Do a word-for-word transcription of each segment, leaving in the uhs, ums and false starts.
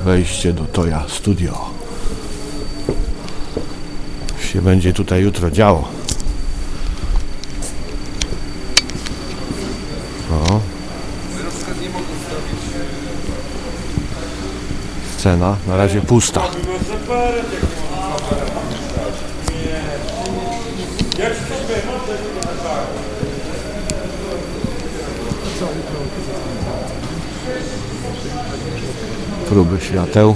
wejście do Toya Studio. Się będzie tutaj jutro działo. O. Scena na razie pusta. Próby świateł.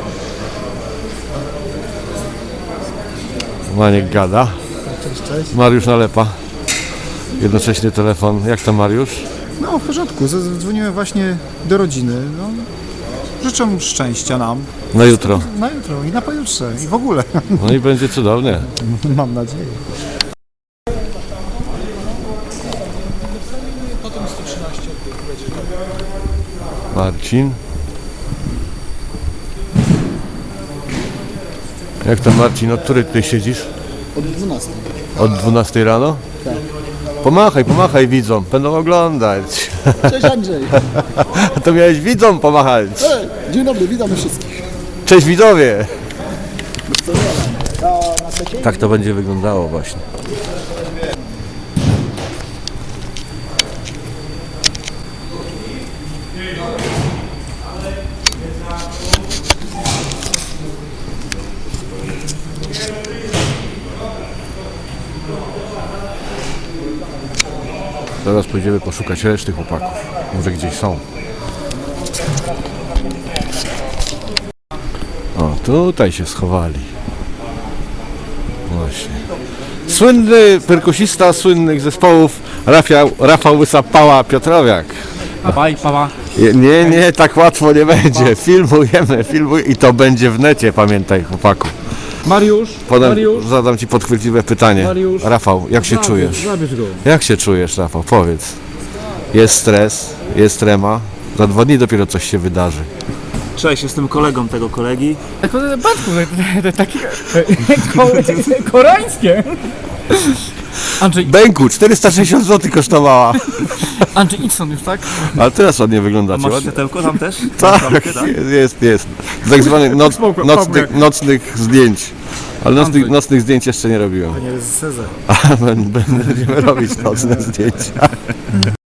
Maniek gada. Cześć, cześć. Mariusz nalepa. Jednocześnie telefon. Jak tam, Mariusz? No w porządku, zadzwoniłem właśnie do rodziny. No, życzę szczęścia nam Na jutro. na jutro i na pojutrze i w ogóle. No i będzie cudownie. Mam nadzieję. Marcin. Jak tam, Marcin? Od której tutaj siedzisz? Od dwunastej. Od dwunastej rano? Tak. Pomachaj, pomachaj widzom. Będą oglądać. Cześć Andrzej. To miałeś widzom pomachać. Dzień dobry, witamy wszystkich. Cześć widzowie. Tak to będzie wyglądało właśnie. Teraz pójdziemy poszukać reszty chłopaków. Może gdzieś są. O, tutaj się schowali. Właśnie. Słynny perkusista słynnych zespołów Rafał, Rafał Łysa-Pała Piotrowiak. Papa i papa. Nie, nie, tak łatwo nie będzie. Filmujemy, filmujemy i to będzie w necie, pamiętaj, chłopaku. Mariusz, Potem Mariusz, zadam ci podchwytliwe pytanie. Mariusz. Rafał, jak się zabierz, czujesz? Zabierz go. Jak się czujesz, Rafał? Powiedz. Jest stres, jest trema. Za dwa dni dopiero coś się wydarzy. Cześć, jestem kolegą tego kolegi. Batku, takie koreańskie. Andrzej, Bęku, czterysta sześćdziesiąt złotych kosztowała. Andrzej, idź stąd już, tak? Ale teraz ładnie wyglądacie. Masz Ładnie. światełko tam też? Tak, Lampkę, tak? jest, jest, jest. Z tak zwanych noc, nocnych, nocnych zdjęć. Ale nocnych, nocnych zdjęć jeszcze nie robiłem. Nie jest Cezar. Będziemy robić nocne zdjęcia.